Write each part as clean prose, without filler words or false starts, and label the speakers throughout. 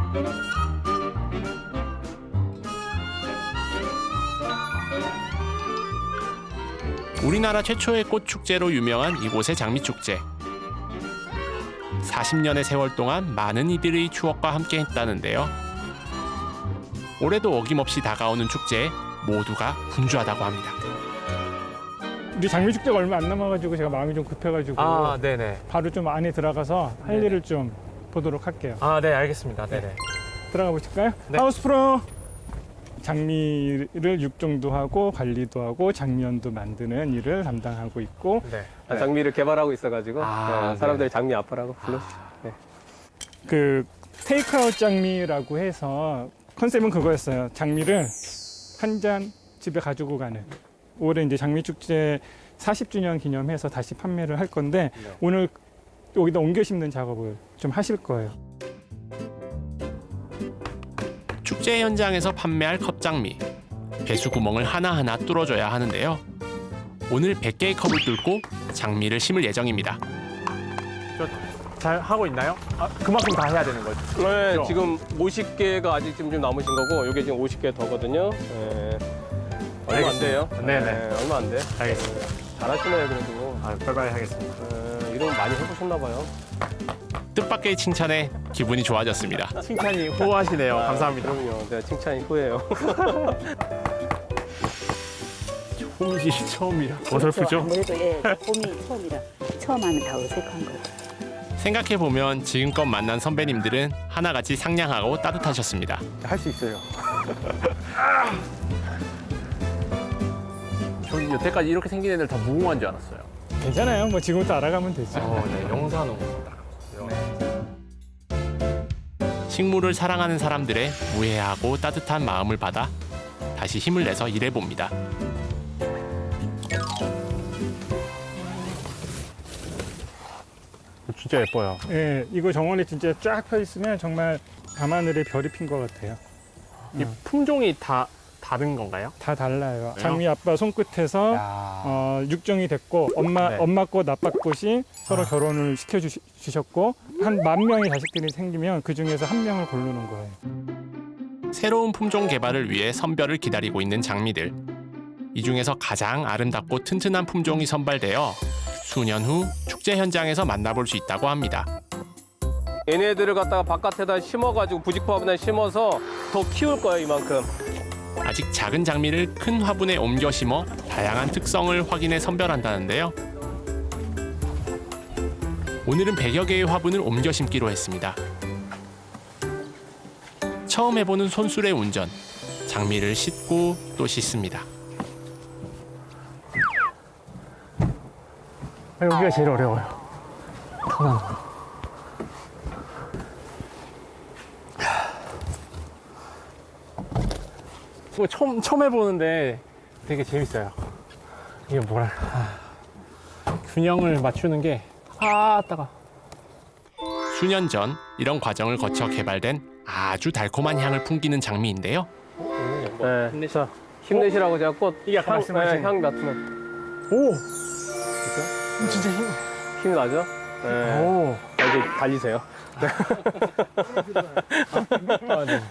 Speaker 1: 우리나라 최초의 꽃축제로 유명한 이곳의 장미축제. 40년의 세월 동안 많은 이들의 추억과 함께 했다는데요. 올해도 어김없이 다가오는 축제에 모두가 분주하다고 합니다.
Speaker 2: 우리 장미축제가 얼마 안 남아가지고 제가 마음이 좀 급해가지고
Speaker 3: 네네.
Speaker 2: 바로 좀 안에 들어가서 할
Speaker 3: 네네.
Speaker 2: 일을 좀 보도록 할게요.
Speaker 3: 네, 알겠습니다. 네네.
Speaker 2: 들어가 보실까요?
Speaker 3: 네.
Speaker 2: 하우스 프로! 장미를 육종도 하고 관리도 하고 장미연도 만드는 일을 담당하고 있고
Speaker 3: 네.
Speaker 4: 장미를 개발하고 있어가지고 사람들이 장미 아빠라고 불러주죠. 네.
Speaker 2: 그 테이크아웃 장미라고 해서 컨셉은 그거였어요. 장미를 한 잔 집에 가지고 가는. 올해 이제 장미축제 40주년 기념해서 다시 판매를 할 건데
Speaker 4: 네.
Speaker 2: 오늘 여기다 옮겨 심는 작업을 좀 하실 거예요.
Speaker 1: 축제 현장에서 판매할 컵장미. 배수 구멍을 하나하나 뚫어줘야 하는데요. 오늘 100개의 컵을 뚫고 장미를 심을 예정입니다.
Speaker 3: 잘 하고 있나요? 그만큼 다 해야 되는 거죠?
Speaker 4: 네,
Speaker 3: 그렇죠?
Speaker 4: 지금 50개가 아직 좀 남으신 거고, 이게 지금 50개 더거든요. 네. 얼마 안 돼요.
Speaker 3: 네네.
Speaker 4: 네, 얼마 안 돼.
Speaker 3: 알겠습니다.
Speaker 4: 잘하시네요, 그래도.
Speaker 3: 빨리빨리 하겠습니다.
Speaker 4: 이런 거 많이 해보셨나 봐요.
Speaker 1: 뜻밖의 칭찬에 기분이 좋아졌습니다.
Speaker 3: 칭찬이 호하시네요. 감사합니다.
Speaker 4: 그럼요. 내가 칭찬이 후회해요.
Speaker 3: 홈이 처음이라 어설프죠?
Speaker 5: 아무래도 봄이 처음이라 처음 하면 다 어색한 거예요.
Speaker 1: 생각해보면 지금껏 만난 선배님들은 하나같이 상냥하고 따뜻하셨습니다.
Speaker 4: 할 수 있어요.
Speaker 3: 저는 여태까지 이렇게 생긴 애들 다 무궁화인 줄 알았어요.
Speaker 2: 괜찮아요. 뭐 지금부터 알아가면 되죠.
Speaker 3: 네, 영산호.
Speaker 1: 식물을 사랑하는 사람들의 무해하고 따뜻한 마음을 받아 다시 힘을 내서 일해봅니다.
Speaker 3: 진짜 예뻐요.
Speaker 2: 예, 이거 정원에 진짜 쫙 펴 있으면 정말 밤하늘에 별이 핀 것 같아요.
Speaker 3: 이 품종이 다 다른 건가요?
Speaker 2: 다 달라요.
Speaker 3: 그래요?
Speaker 2: 장미 아빠 손끝에서 육종이 됐고
Speaker 3: 네.
Speaker 2: 엄마 꽃 아빠 꽃이 서로 결혼을 시켜주셨고 한 10,000명의 자식들이 생기면 그 중에서 한 명을 고르는 거예요.
Speaker 1: 새로운 품종 개발을 위해 선별을 기다리고 있는 장미들. 이 중에서 가장 아름답고 튼튼한 품종이 선발되어 수년 후 축제 현장에서 만나볼 수 있다고 합니다.
Speaker 4: 얘네들을 갖다가 바깥에다 심어가지고 부직포화분에 심어서 더 키울 거예요, 이만큼.
Speaker 1: 아직 작은 장미를 큰 화분에 옮겨 심어 다양한 특성을 확인해 선별한다는데요. 오늘은 100여 개의 화분을 옮겨 심기로 했습니다. 처음 해보는 손수레 운전. 장미를 씻고 또 씻습니다.
Speaker 3: 여기가 제일 어려워요. 터나는 거. 이거 처음 해보는데 되게 재밌어요. 이게 뭐랄까. 균형을 맞추는 게 따가.
Speaker 1: 수년 전 이런 과정을 거쳐 개발된 아주 달콤한 향을 풍기는 장미인데요.
Speaker 4: 네. 자, 힘내시라고 제가 꽃
Speaker 3: 이게 아까 말씀하신
Speaker 4: 향 맡으면
Speaker 3: 오!
Speaker 4: 진짜 힘이 나죠? 네.
Speaker 3: 오!
Speaker 4: 이제 달리세요.
Speaker 3: 네.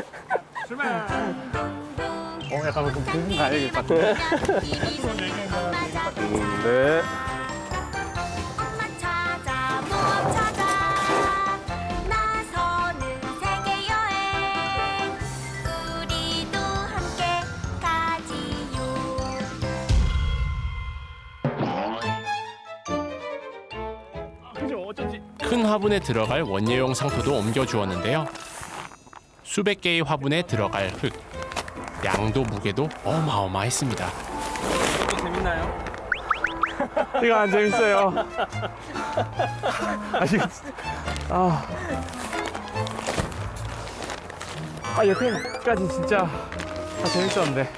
Speaker 3: 약간 좀 공부 가야 될 것 같은데.
Speaker 4: 네.
Speaker 6: 찾아 못 찾아 나서는 세계 여행 우리도 함께 가지요.
Speaker 3: 그죠? 어쩐지.
Speaker 1: 큰 화분에 들어갈 원예용 상토도 옮겨 주었는데요. 수백 개의 화분에 들어갈 흙. 양도 무게도 어마어마했습니다.
Speaker 3: 재밌나요? 이거 안 재밌어요. 여태까지 진짜 다 재밌었는데.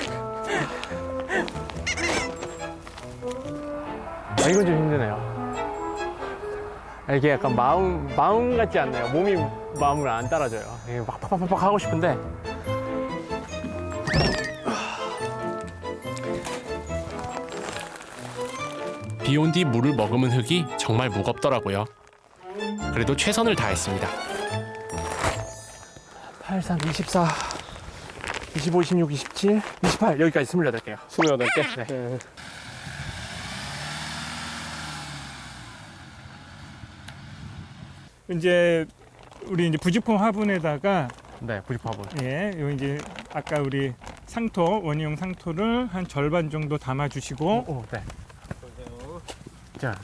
Speaker 3: 이건 좀 힘드네요. 이게 약간 마음 같지 않네요. 몸이 마음을 안 따라줘요. 이게 막 팍팍팍 하고 싶은데.
Speaker 1: 비 온 뒤 물을 머금은 흙이 정말 무겁더라고요. 그래도 최선을 다했습니다.
Speaker 3: 83, 24, 25, 26, 27, 28 여기까지 28개요.
Speaker 4: 28개? 네.
Speaker 2: 이제 우리 이제 부직포 화분에다가
Speaker 3: 네, 98번.
Speaker 2: 예, 요 이제 아까 우리 상토 원희용 상토를 한 절반 정도 담아 주시고
Speaker 3: 오, 네. 자.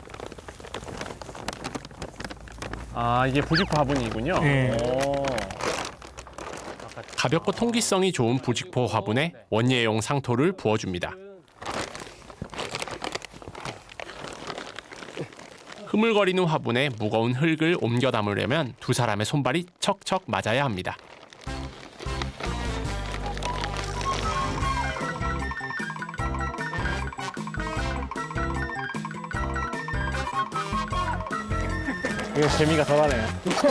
Speaker 3: 아, 이게 부직포 화분이군요.
Speaker 2: 네.
Speaker 3: 오.
Speaker 1: 가볍고 통기성이 좋은 부직포 화분에 원예용 상토를 부어줍니다. 흐물거리는 화분에 무거운 흙을 옮겨 담으려면 두 사람의 손발이 척척 맞아야 합니다.
Speaker 3: 이거 재미가 덜하네요.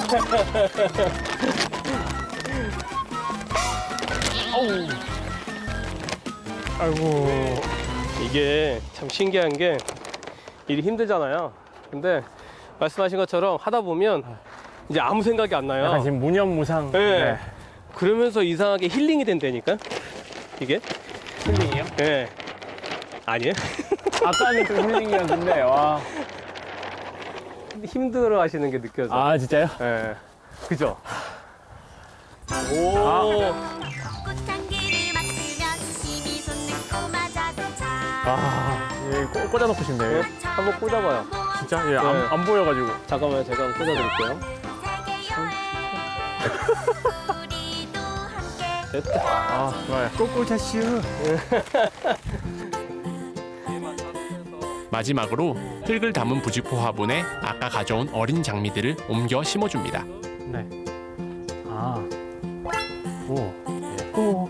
Speaker 2: 아이고
Speaker 4: 이게 참 신기한 게 일이 힘들잖아요. 근데 말씀하신 것처럼 하다 보면 이제 아무 생각이 안 나요.
Speaker 3: 약간 지금 무념무상.
Speaker 4: 네. 그러면서 이상하게 힐링이 된다니까? 이게?
Speaker 3: 힐링이요?
Speaker 4: 네. 아니에요?
Speaker 3: 아까는 좀 힐링이었는데, 와.
Speaker 4: 힘들어 하시는 게 느껴져.
Speaker 3: 아, 진짜요?
Speaker 4: 네. 그죠?
Speaker 6: 꽃향기를 맡으면 힘이 솟는 꼬마자동차.
Speaker 3: 아, 예, 꽂아놓고 싶네요.
Speaker 4: 한번 꽂아봐요.
Speaker 3: 진짜? 예,
Speaker 4: 네.
Speaker 3: 안 보여가지고.
Speaker 4: 잠깐만요. 제가 한번 꽂아드릴게요.
Speaker 6: 세계 여행. 우리도 함께
Speaker 4: 됐다.
Speaker 3: 아, 좋아요.
Speaker 2: 꼬꼬자슈.
Speaker 1: 마지막으로 흙을 담은 부직포 화분에 아까 가져온 어린 장미들을 옮겨 심어줍니다.
Speaker 3: 네. 아. 오. 예. 오.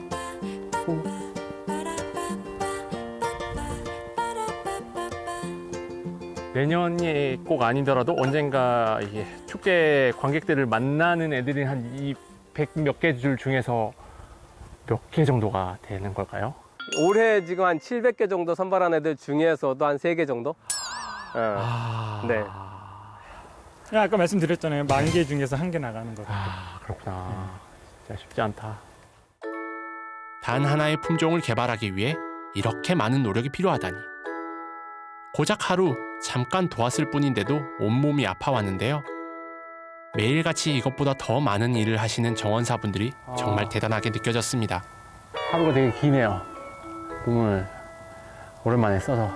Speaker 3: 내년이 꼭 아니더라도 언젠가 이게 축제 관객들을 만나는 애들이 한 이 100 몇 개 줄 중에서 몇 개 정도가 되는 걸까요?
Speaker 4: 올해 지금 한 700개 정도 선발한 애들 중에서도 한 3개 정도? 네.
Speaker 2: 아까 말씀드렸잖아요. 10,000개 중에서 1개 나가는 거.
Speaker 3: 아, 그렇구나. 진짜 쉽지 않다.
Speaker 1: 단 하나의 품종을 개발하기 위해 이렇게 많은 노력이 필요하다니. 고작 하루 잠깐 도왔을 뿐인데도 온몸이 아파왔는데요. 매일같이 이것보다 더 많은 일을 하시는 정원사분들이 정말 대단하게 느껴졌습니다.
Speaker 3: 하루가 되게 기네요. 꿈을 오랜만에 써서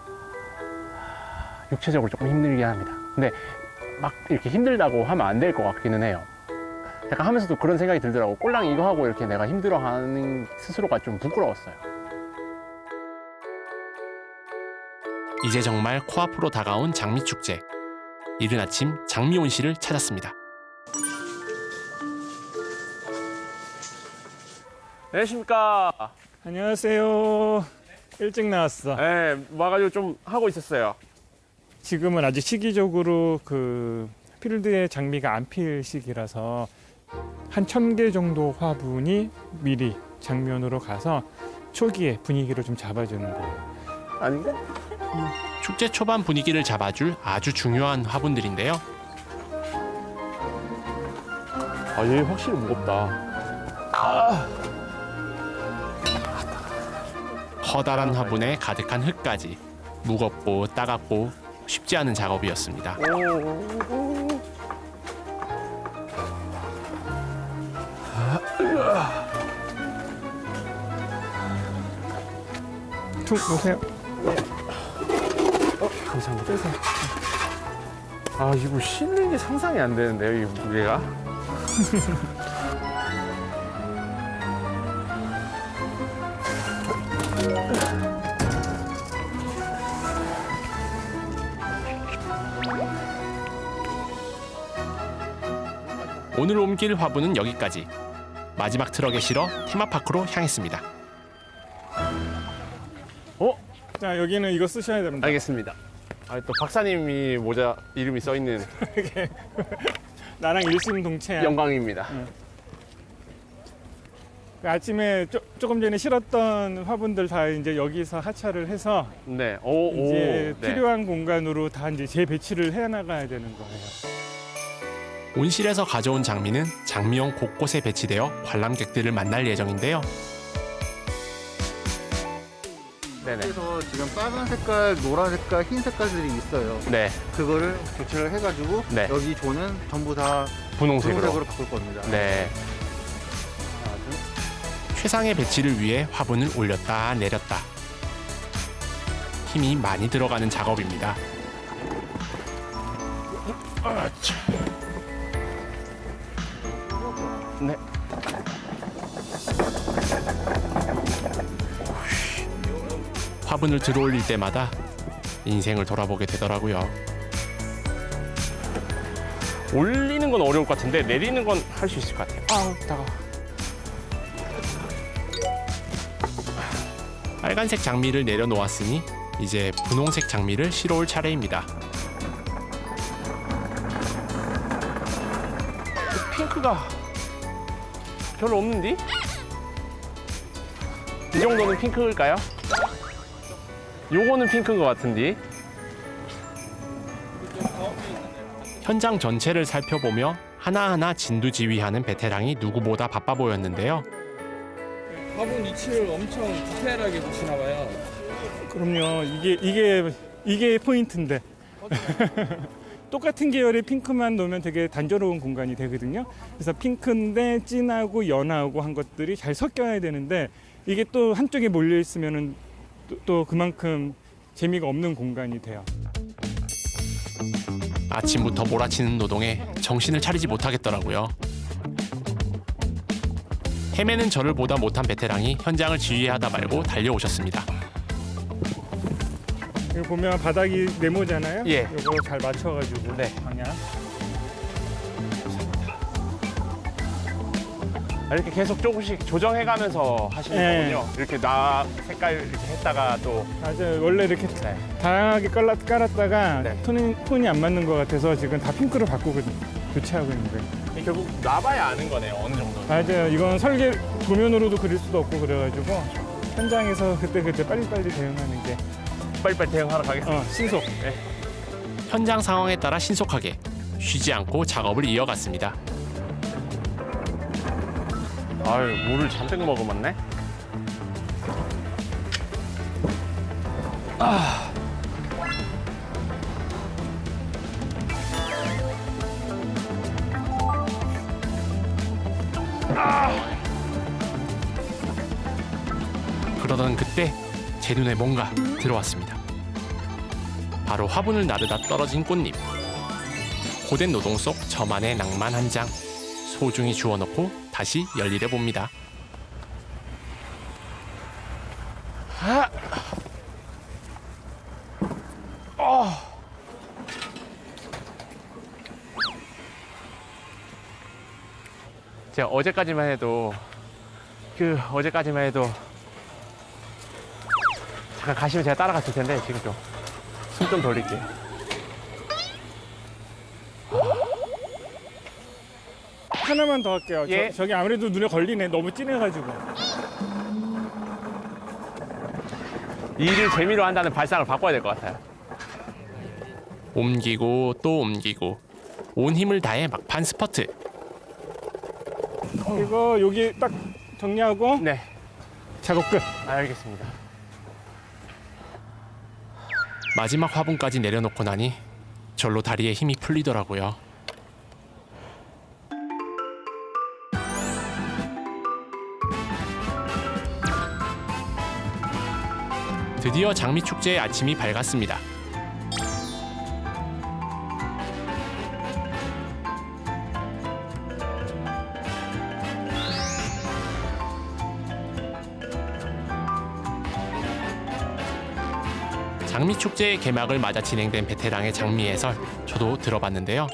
Speaker 3: 육체적으로 조금 힘들긴 합니다. 근데 막 이렇게 힘들다고 하면 안 될 것 같기는 해요. 약간 하면서도 그런 생각이 들더라고. 꼴랑 이거 하고 이렇게 내가 힘들어하는 스스로가 좀 부끄러웠어요.
Speaker 1: 이제 정말 코앞으로 다가온 장미축제. 이른 아침 장미온 씨를 찾았습니다.
Speaker 3: 안녕하십니까.
Speaker 2: 안녕하세요. 일찍 나왔어.
Speaker 3: 네, 와가지고 좀 하고 있었어요.
Speaker 2: 지금은 아직 시기적으로 그 필드에 장미가 안 필 시기라서 한 1,000개 정도 화분이 미리 장면으로 가서 초기에 분위기를 좀 잡아주는 거예요.
Speaker 3: 아닌가?
Speaker 1: 축제 초반 분위기를 잡아줄 아주 중요한 화분들인데요.
Speaker 3: 아, 얘 확실히 무겁다.
Speaker 1: 커다란 화분에 가득한 흙까지 무겁고 따갑고 쉽지 않은 작업이었습니다.
Speaker 2: 툭 놓으세요.
Speaker 3: 감사합니다. 아, 이거 싣는 게 상상이 안 되는데요, 이 무게가.
Speaker 1: 오늘 옮길 화분은 여기까지. 마지막 트럭에 실어 테마파크로 향했습니다.
Speaker 2: 자, 여기는 이거 쓰셔야 됩니다.
Speaker 3: 알겠습니다. 아, 또 박사님이 모자 이름이 써 있는
Speaker 2: 나랑 일심동체야.
Speaker 3: 영광입니다.
Speaker 2: 그 아침에 조금 전에 실었던 화분들 다 이제 여기서 하차를 해서
Speaker 3: 네.
Speaker 2: 이제
Speaker 3: 네.
Speaker 2: 필요한 공간으로 다 이제 재배치를 해 나가야 되는 거예요.
Speaker 1: 온실에서 가져온 장미는 장미용 곳곳에 배치되어 관람객들을 만날 예정인데요.
Speaker 3: 네네.
Speaker 7: 그래서 지금 빨간 색깔, 노란 색깔, 흰 색깔들이 있어요.
Speaker 3: 네.
Speaker 7: 그거를 교체를 해가지고
Speaker 3: 네.
Speaker 7: 여기 조는 전부 다
Speaker 3: 분홍색으로.
Speaker 7: 분홍색으로 바꿀 겁니다.
Speaker 3: 네.
Speaker 7: 아주
Speaker 1: 최상의 배치를 위해 화분을 올렸다 내렸다. 힘이 많이 들어가는 작업입니다.
Speaker 3: 네.
Speaker 1: 화분을 들어올릴 때마다 인생을 돌아보게 되더라고요.
Speaker 3: 올리는 건 어려울 것 같은데 내리는 건 할 수 있을 것 같아요. 아우, 따가워.
Speaker 1: 빨간색 장미를 내려놓았으니 이제 분홍색 장미를 실어올 차례입니다.
Speaker 3: 핑크가 별로 없는데? 이 정도는 핑크일까요? 요거는 핑크인 것 같은데?
Speaker 1: 현장 전체를 살펴보며 하나하나 진두지휘하는 베테랑이 누구보다 바빠 보였는데요.
Speaker 8: 화분 위치를 엄청 디테일하게 보시나 봐요.
Speaker 2: 그럼요. 이게 포인트인데. 똑같은 계열의 핑크만 놓으면 되게 단조로운 공간이 되거든요. 그래서 핑크인데 진하고 연하고 한 것들이 잘 섞여야 되는데 이게 또 한쪽에 몰려 있으면은 또 그만큼 재미가 없는 공간이 돼요.
Speaker 1: 아침부터 몰아치는 노동에 정신을 차리지 못하겠더라고요. 헤매는 저를 보다 못한 베테랑이 현장을 지휘하다 말고 달려오셨습니다.
Speaker 2: 여기 보면 바닥이 네모잖아요.
Speaker 3: 예.
Speaker 2: 이거 잘 맞춰가지고
Speaker 3: 네.
Speaker 2: 방향.
Speaker 3: 이렇게 계속 조금씩 조정해가면서 하시는
Speaker 2: 네.
Speaker 3: 거군요. 이렇게 나 색깔 이렇게 했다가 또
Speaker 2: 맞아요. 원래 이렇게
Speaker 3: 네.
Speaker 2: 다양하게 깔았다가
Speaker 3: 네.
Speaker 2: 톤이 안 맞는 것 같아서 지금 다 핑크로 바꾸고 교체하고 있는 거예요.
Speaker 3: 결국 놔봐야 아는 거네요. 어느 정도.
Speaker 2: 맞아요. 이건 설계 도면으로도 그릴 수도 없고 그래가지고 현장에서 그때 빨리빨리 대응하는 게
Speaker 3: 빨리빨리 대응하러 가겠습니다.
Speaker 2: 신속.
Speaker 1: 현장 상황에 따라 신속하게 쉬지 않고 작업을 이어갔습니다.
Speaker 3: 아유, 물을 잔뜩 머금었네.
Speaker 1: 그러던 그때 제 눈에 뭔가 들어왔습니다. 바로 화분을 나르다 떨어진 꽃잎. 고된 노동 속 저만의 낭만 한 장. 소중히 주워놓고 다시 열일해 봅니다.
Speaker 3: 제가 어제까지만 해도 잠깐 가시면 제가 따라갔을 텐데 지금 좀 숨 좀 돌릴게요.
Speaker 2: 하나만 더 할게요.
Speaker 3: 예.
Speaker 2: 저기 아무래도 눈에 걸리네. 너무 진해가지고.
Speaker 3: 일을 재미로 한다는 발상을 바꿔야 될 것 같아요.
Speaker 1: 옮기고 또 옮기고 온 힘을 다해 막판 스퍼트.
Speaker 2: 이거 여기 딱 정리하고
Speaker 3: 네,
Speaker 2: 작업 끝.
Speaker 3: 알겠습니다.
Speaker 1: 마지막 화분까지 내려놓고 나니 절로 다리에 힘이 풀리더라고요. 드디어 장미축제의 아침이 밝았습니다. 장미축제의 개막을 맞아 진행된 베테랑의 장미 해설 저도 들어봤는데요.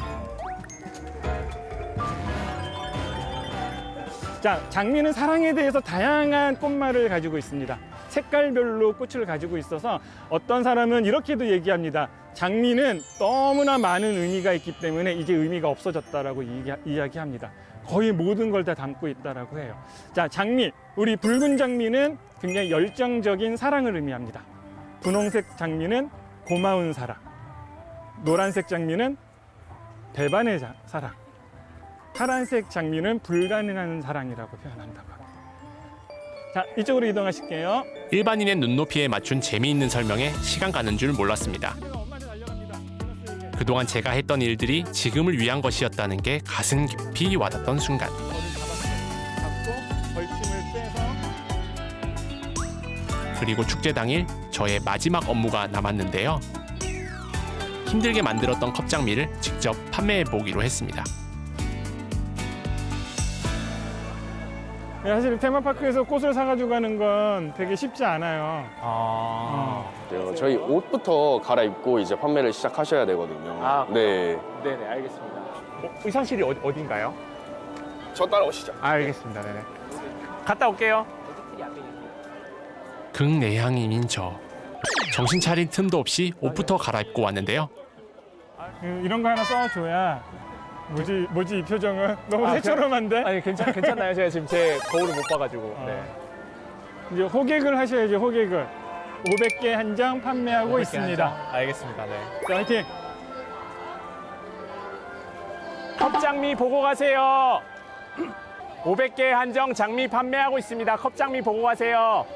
Speaker 2: 자, 장미는 사랑에 대해서 다양한 꽃말을 가지고 있습니다. 색깔별로 꽃을 가지고 있어서 어떤 사람은 이렇게도 얘기합니다. 장미는 너무나 많은 의미가 있기 때문에 이제 의미가 없어졌다라고 이야기합니다. 거의 모든 걸 다 담고 있다라고 해요. 자, 장미, 우리 붉은 장미는 굉장히 열정적인 사랑을 의미합니다. 분홍색 장미는 고마운 사랑, 노란색 장미는 배반의 사랑. 파란색 장미는 불가능한 사랑이라고 표현한다고 합니다. 자, 이쪽으로 이동하실게요.
Speaker 1: 일반인의 눈높이에 맞춘 재미있는 설명에 시간 가는 줄 몰랐습니다. 그동안 제가 했던 일들이 지금을 위한 것이었다는 게 가슴 깊이 와닿던 순간.
Speaker 2: 잡고 벌침을 빼서
Speaker 1: 그리고 축제 당일 저의 마지막 업무가 남았는데요. 힘들게 만들었던 컵장미를 직접 판매해 보기로 했습니다.
Speaker 2: 사실 테마파크에서 꽃을 사가지고 가는 건 되게 쉽지 않아요.
Speaker 9: 저희 옷부터 갈아입고 이제 판매를 시작하셔야 되거든요.
Speaker 3: 아,
Speaker 9: 네.
Speaker 3: 네네, 알겠습니다. 의상실이 어딘가요?
Speaker 9: 저 따라오시죠.
Speaker 3: 알겠습니다. 네네. 갔다 올게요.
Speaker 1: 극내향인인 저. 정신 차릴 틈도 없이 옷부터 갈아입고 왔는데요.
Speaker 2: 이런 거 하나 써줘야 뭐지 이 표정은 너무 새처럼한데?
Speaker 3: 아니 괜찮나요? 제가 지금 제 거울을 못 봐가지고. 네.
Speaker 2: 이제 호객을 하셔야죠. 호객을 500개 한정 판매하고 있습니다.
Speaker 3: 알겠습니다. 네.
Speaker 2: 자, 화이팅!
Speaker 3: 컵장미 보고 가세요. 500개 한정 장미 판매하고 있습니다. 컵장미 보고 가세요.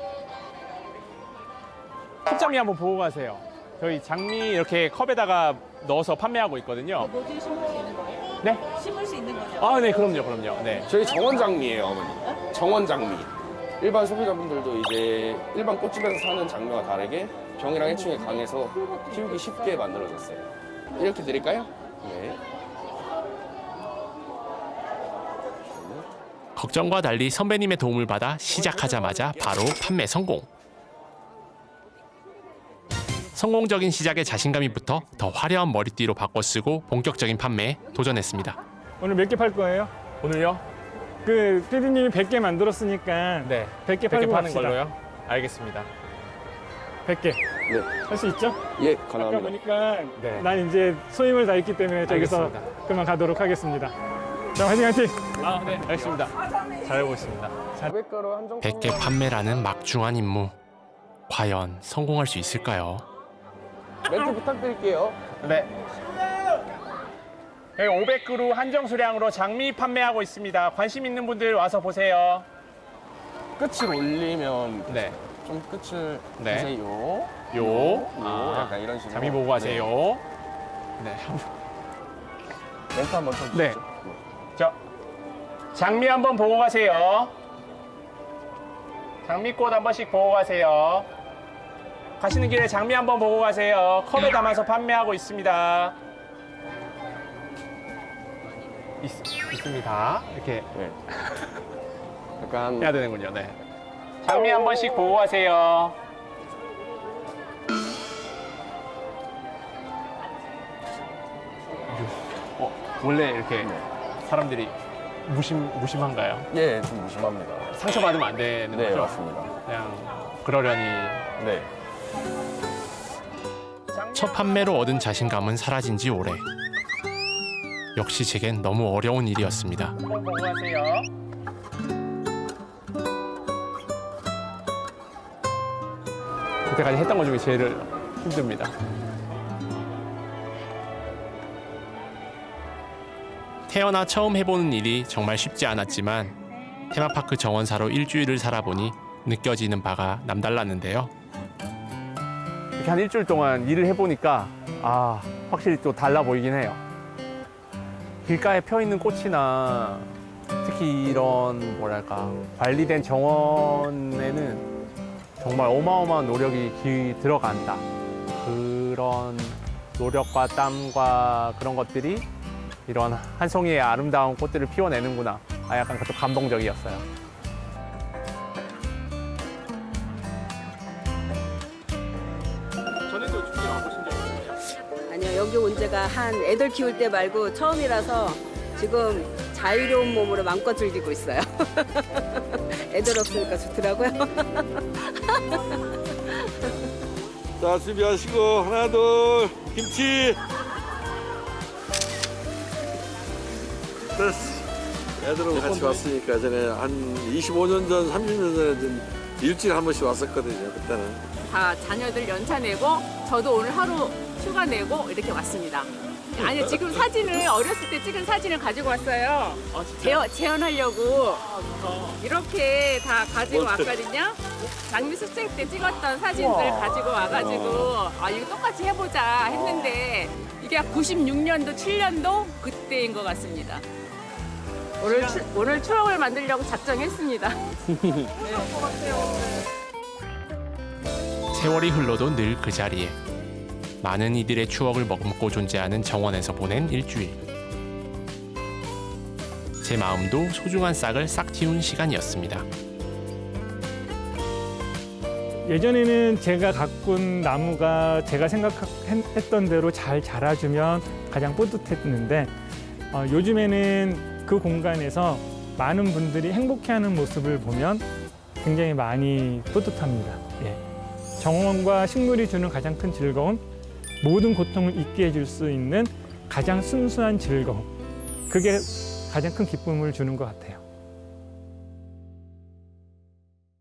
Speaker 3: 컵장미 한번 보고 가세요. 저희 장미 이렇게 컵에다가 넣어서 판매하고 있거든요.
Speaker 5: 뭐지 심을 수 있는 거예요?
Speaker 3: 네?
Speaker 5: 심을 수 있는 거죠?
Speaker 3: 아, 네, 그럼요. 네.
Speaker 9: 저희 정원장미예요, 어머니. 정원장미. 일반 소비자분들도 이제 일반 꽃집에서 사는 장미와 다르게 병이랑 해충에 강해서 키우기 쉽게 만들어졌어요. 이렇게 드릴까요? 네.
Speaker 1: 걱정과 달리 선배님의 도움을 받아 시작하자마자 바로 판매 성공. 성공적인 시작에 자신감이 붙어 더 화려한 머리띠로 바꿔 쓰고 본격적인 판매에 도전했습니다.
Speaker 2: 오늘 몇 개 팔 거예요?
Speaker 3: 오늘요?
Speaker 2: 그 PD님이 100개 만들었으니까
Speaker 3: 네.
Speaker 2: 100개
Speaker 3: 100개
Speaker 2: 팔고
Speaker 3: 파는
Speaker 2: 갑시다.
Speaker 3: 걸로요? 알겠습니다.
Speaker 2: 100개.
Speaker 9: 네.
Speaker 2: 할 수 있죠?
Speaker 9: 예,
Speaker 2: 아까
Speaker 9: 가능합니다.
Speaker 2: 보니까
Speaker 3: 네.
Speaker 2: 난 이제 소임을 다했기 때문에 저기서
Speaker 3: 알겠습니다.
Speaker 2: 그만 가도록 하겠습니다. 자, 화이팅!
Speaker 3: 아, 네. 알겠습니다. 잘해보겠습니다.
Speaker 9: 500가루 한정
Speaker 1: 100개 판매라는 막중한 임무. 과연 성공할 수 있을까요?
Speaker 9: 멘트 부탁드릴게요.
Speaker 3: 네. 여기 500그루 한정 수량으로 장미 판매하고 있습니다. 관심 있는 분들 와서 보세요.
Speaker 9: 끝을 올리면
Speaker 3: 네.
Speaker 9: 좀 끝을
Speaker 3: 네.
Speaker 9: 보세요. 약간 이런 식으로.
Speaker 3: 장미 보고 가세요. 네.
Speaker 9: 멘트 한번 쳐주시죠.
Speaker 3: 네. 자, 장미 한번 보고 가세요. 장미꽃 한 번씩 보고 가세요. 가시는 길에 장미 한번 보고 가세요. 컵에 담아서 판매하고 있습니다. 있습니다. 이렇게
Speaker 9: 네. 약간
Speaker 3: 해야 되는군요. 네. 장미 한 번씩 보고 가세요. 원래 이렇게 사람들이 무심한가요?
Speaker 9: 예, 좀 무심합니다.
Speaker 3: 상처받으면 안 되는
Speaker 9: 네,
Speaker 3: 거죠?
Speaker 9: 맞습니다.
Speaker 3: 그냥 그러려니.
Speaker 9: 네.
Speaker 1: 첫 판매로 얻은 자신감은 사라진 지 오래. 역시 제겐 너무 어려운 일이었습니다.
Speaker 3: 한번 보고 가세요. 그때까지 했던 것 중에 제일 힘듭니다.
Speaker 1: 태어나 처음 해보는 일이 정말 쉽지 않았지만 테마파크 정원사로 일주일을 살아보니 느껴지는 바가 남달랐는데요.
Speaker 3: 이렇게 한 일주일 동안 일을 해보니까 확실히 또 달라 보이긴 해요. 길가에 펴 있는 꽃이나 특히 이런 뭐랄까 관리된 정원에는 정말 어마어마한 노력이 들어간다. 그런 노력과 땀과 그런 것들이 이런 한 송이의 아름다운 꽃들을 피워내는구나. 약간 그것도 감동적이었어요. 전에도 축제 와보신 적 있으세요?
Speaker 10: 아니요, 여기 온 지가 한 애들 키울 때 말고 처음이라서 지금 자유로운 몸으로 마음껏 즐기고 있어요. 애들 없으니까 좋더라고요.
Speaker 11: 자, 준비하시고 하나, 둘, 김치. 됐어. 애들하고 같이 왔으니까 전에 한 25년 전, 30년 전에 좀 일주일에 한 번씩 왔었거든요. 그때는.
Speaker 12: 다 자녀들 연차 내고 저도 오늘 하루 휴가 내고 이렇게 왔습니다.
Speaker 5: 아니 지금 사진을 어렸을 때 찍은 사진을 가지고 왔어요. 재현하려고 이렇게 다 가지고 왔거든요. 장미 수생 때 찍었던 사진들 가지고 와가지고 아 이거 똑같이 해보자 했는데 이게 96년도 7년도 그때인 것 같습니다. 오늘 추억을 만들려고 작정했습니다.
Speaker 1: 세월이 흘러도 늘 그 자리에 많은 이들의 추억을 머금고 존재하는 정원에서 보낸 일주일. 제 마음도 소중한 싹을 싹 틔운 시간이었습니다.
Speaker 2: 예전에는 제가 가꾼 나무가 제가 생각했던 대로 잘 자라주면 가장 뿌듯했는데 요즘에는 그 공간에서 많은 분들이 행복해하는 모습을 보면 굉장히 많이 뿌듯합니다. 예. 정원과 식물이 주는 가장 큰 즐거움, 모든 고통을 잊게 해줄 수 있는 가장 순수한 즐거움, 그게 가장 큰 기쁨을 주는 것 같아요.